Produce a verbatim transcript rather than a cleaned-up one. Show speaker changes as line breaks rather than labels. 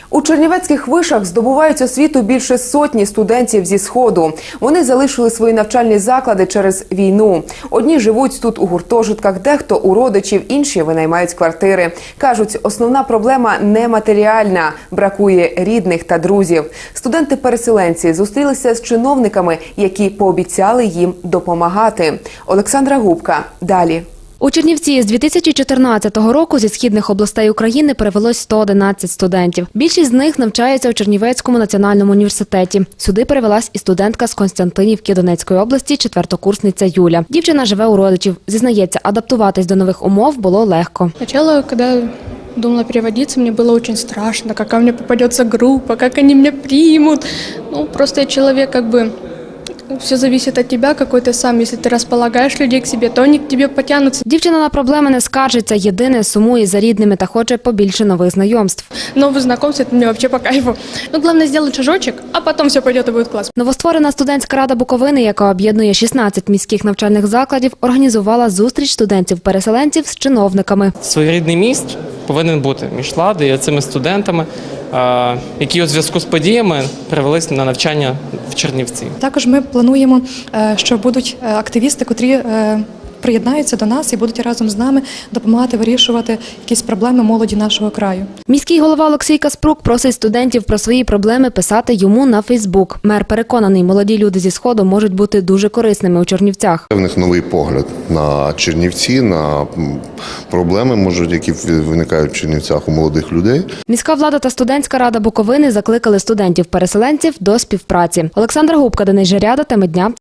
У чернівецьких вишах здобувають освіту більше сотні студентів зі Сходу. Вони залишили свої навчальні заклади через війну. Одні живуть тут у гуртожитках, дехто у родичів, інші винаймають квартири. Кажуть, основна проблема не матеріальна – бракує рідних та друзів. Студенти-переселенці зустрілися з чиновниками, які пообіцяли їм допомагати. Олександра Губка. Далі.
У Чернівці з дві тисячі чотирнадцятого року зі східних областей України перевелось сто одинадцять студентів. Більшість з них навчається у Чернівецькому національному університеті. Сюди перевелась і студентка з Константинівки Донецької області, четвертокурсниця Юля. Дівчина живе у родичів. Зізнається, адаптуватись до нових умов було легко.
Спочатку, коли думала переводиться, мне было очень страшно, какая мне попадется группа, как они меня примут. Ну, просто я человек, как бы, все зависит от тебя, какой ты сам. Если ты располагаешь людей к себе, то они к тебе потянутся.
Дівчина на проблеми не скаржиться, єдине сумує за рідними та хоче побільше нових знайомств.
Новые знакомства, это мне вообще по кайфу. Ну, главное сделать шажочек, а потом все пойдет и будет класс.
Новостворена студентська рада Буковини, яка об'єднує шістнадцять міських навчальних закладів, організувала зустріч студентів-переселенців з чиновниками.
Своєрідний міст повинен бути між владою і цими студентами, які у зв'язку з подіями перевелись на навчання в Чернівці.
Також ми плануємо, що будуть активісти, котрі приєднаються до нас і будуть разом з нами допомагати вирішувати якісь проблеми молоді нашого краю.
Міський голова Олексій Каспрук просить студентів про свої проблеми писати йому на Фейсбук. Мер переконаний, молоді люди зі Сходу можуть бути дуже корисними у Чернівцях.
У них новий погляд на Чернівці, на проблеми, можуть, які виникають в Чернівцях у молодих людей.
Міська влада та студентська рада Буковини закликали студентів-переселенців до співпраці. Олександра Губка, Денис Жаряда, теми дня.